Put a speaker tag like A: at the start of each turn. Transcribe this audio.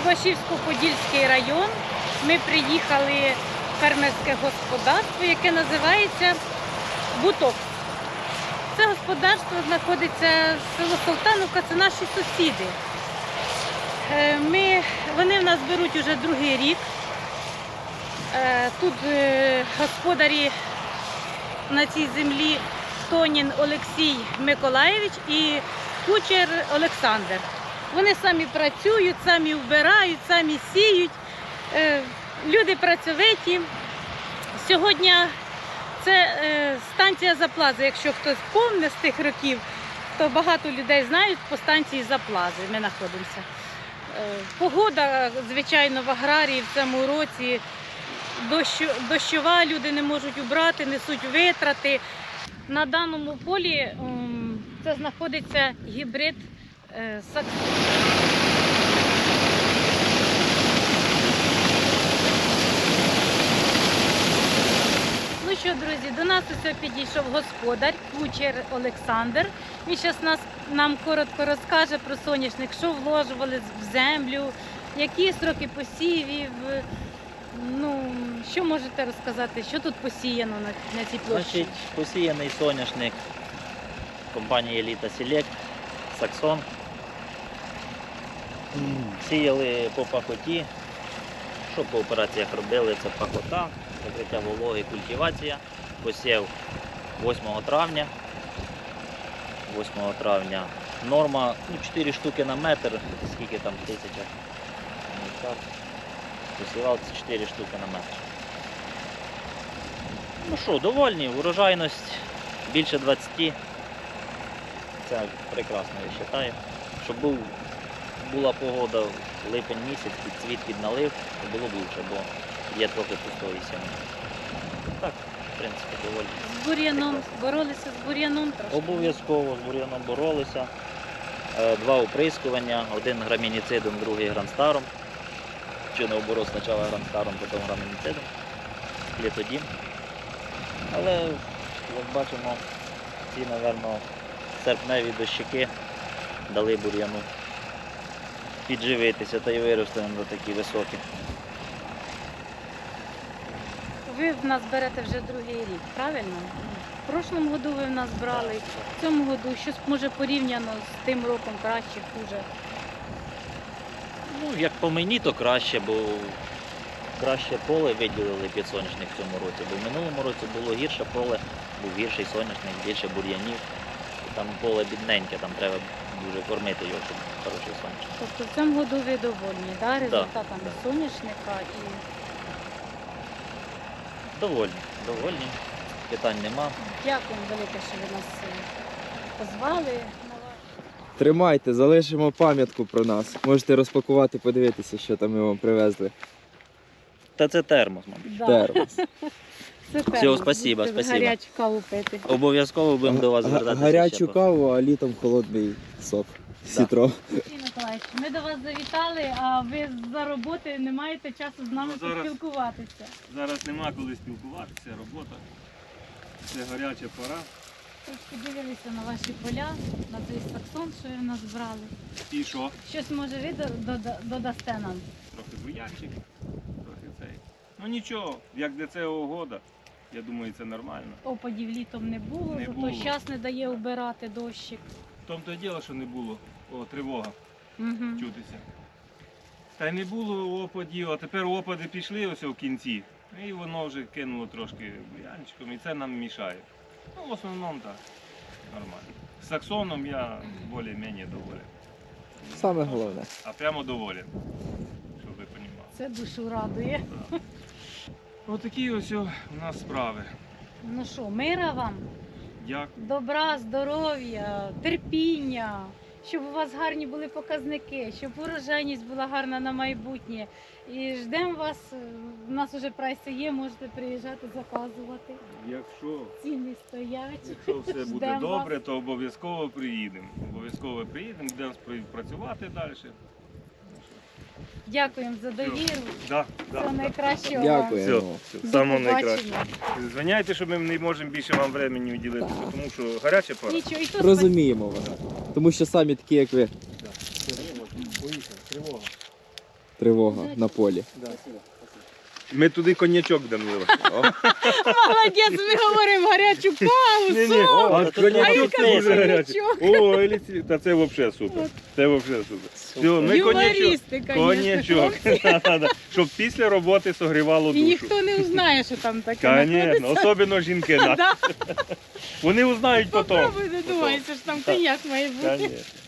A: Любашівсько-Подільський район. Ми приїхали в фермерське господарство, яке називається Буток. Це господарство знаходиться село Солтановка, це наші сусіди. Вони в нас беруть уже другий рік. Тут господарі на цій землі Тонін Олексій Миколаєвич і кучер Олександр. Вони самі працюють, самі вбирають, самі сіють. Люди працьовиті. Сьогодні це станція Заплази. Якщо хтось помне з тих років, то багато людей знають по станції Заплази. Ми знаходимося. Погода, звичайно, в аграрії в цьому році дощова, люди не можуть убрати, несуть витрати. На даному полі це знаходиться гібрид Саксон. Ну що, друзі, до нас ось підійшов господар, кучер Олександр. Він зараз нам коротко розкаже про соняшник, що вложували в землю, які строки посівів. Ну, що можете розказати, що тут посіяно на цій площі?
B: Значить, посіяний соняшник компанії Еліта Селект, Саксон. Сіяли по пахоті. Що по операціях робили? Це пахота, закриття вологи, культивація. Посів 8 травня. 8 травня. Норма 4 штуки на метр, скільки там 1000. Посівав 4 штуки на метр. Ну що, довольні, урожайність більше 20. Це прекрасно, я вважаю. Щоб була погода в липень місяць, під цвіт підналив, то було б лучше, бо є трохи пустої сім'ї. Так, в принципі, доволі.
A: З бур'яном, боролися з бур'яном трошки?
B: Обов'язково з бур'яном боролися. 2 оприскування, один грамініцидом, другий гранстаром. Чи не оборот спочатку гранстаром, потім грамініцидом, літодім. Але, як бачимо, ці, мабуть, серпневі дощики дали бур'яну підживитися та й вирости до такі високі.
A: Ви в нас берете вже другий рік, правильно? В прошлому году ви в нас брали, в цьому году щось може порівняно з тим роком краще, хуже?
B: Ну, як по мені, то краще, бо краще поле виділили під соняшник в цьому році, бо в минулому році було гірше поле, був гірший соняшник, більше бур'янів. Там поле бідненьке, там треба дуже кормити його, щоб хороший соняшник.
A: Тобто в цьому году ви довольні, да, результатами
B: да.
A: соняшника? І...
B: Довольні. Питань нема.
A: Дякуємо велике, що ви нас позвали.
C: Тримайте, залишимо пам'ятку про нас. Можете розпакувати, подивитися, що там ми вам привезли.
B: Та це термос, мабуть.
A: Да.
C: Термос.
A: Це
B: Всього спасибо, спасибо.
A: Гарячу каву пити.
B: Обов'язково будемо до вас звертатися.
C: Гарячу каву, а літом холодний сок. Сітро.
A: Сергій Миколаївич, ми до вас завітали, а ви за роботи не маєте часу з нами поспілкуватися.
D: Зараз нема коли спілкуватися, робота. Це гаряча пора.
A: Трошки дивилися на ваші поля, на цей саксон, що ви в нас брали.
D: І що?
A: Щось може ви додасте нам?
D: Трохи бур'янчик, трохи цей. Ну нічого, як для цього года, я думаю, це нормально.
A: Опадів літом не було,
D: Не
A: зато
D: було.
A: час не дає убирати дощик.
D: В тому то й діло, що не було тривога
A: Угу.
D: чутися. Та й не було опадів, а тепер опади пішли ось в кінці. І воно вже кинуло трошки бур'янчиком, і це нам мішає. Ну, в основному так, нормально. З саксоном я більш-менш доволен.
C: Саме головне.
D: А прямо доволен, щоб ви розуміли.
A: Це душу радує.
D: Отакі ось у нас справи.
A: Ну що, мира вам,
D: Дякую.
A: добра, здоров'я, терпіння, щоб у вас гарні були показники, щоб урожайність була гарна на майбутнє. І ждемо вас, у нас вже прайси є, можете приїжджати, заказувати.
D: Якщо
A: Ціни стоять.
D: все буде
A: Ждемо
D: добре,
A: вас.
D: то обов'язково приїдемо. Обов'язково приїдемо, будемо працювати далі.
A: Дякуємо за довіру.
D: Да,
A: Всього найкращого вам.
C: Дякуємо.
D: Все,
A: До
D: самого найкраще.
A: побачення.
D: Звиняйте, що ми не можемо більше вам времени уділити, тому що гаряча пора.
A: Нічого, і то
C: Розуміємо вас. Тому що самі такі, як ви.
D: Поїхали, тривога.
C: тривога на полі.
D: Ми туди коньячок будемо виливати.
A: Молодець, ми говоримо гарячу каву,
D: Ні-ні,
A: соус.
D: а коньячок
A: А
D: це
A: він
D: дуже
A: каже,
D: гарячий.
A: коньячок.
D: О, Еліці, та це взагалі супер. Це взагалі супер. Все, ми коньячок.
A: Юмористи, конечно.
D: Коньячок. Да-да. Щоб після роботи согрівало
A: І
D: душу.
A: ніхто не узнає, що там таке
D: Звісно, особливо жінки. Да.
A: Да.
D: Вони узнають потім.
A: Попробуй, не думайся, що там коньяк має бути.
D: Конечно.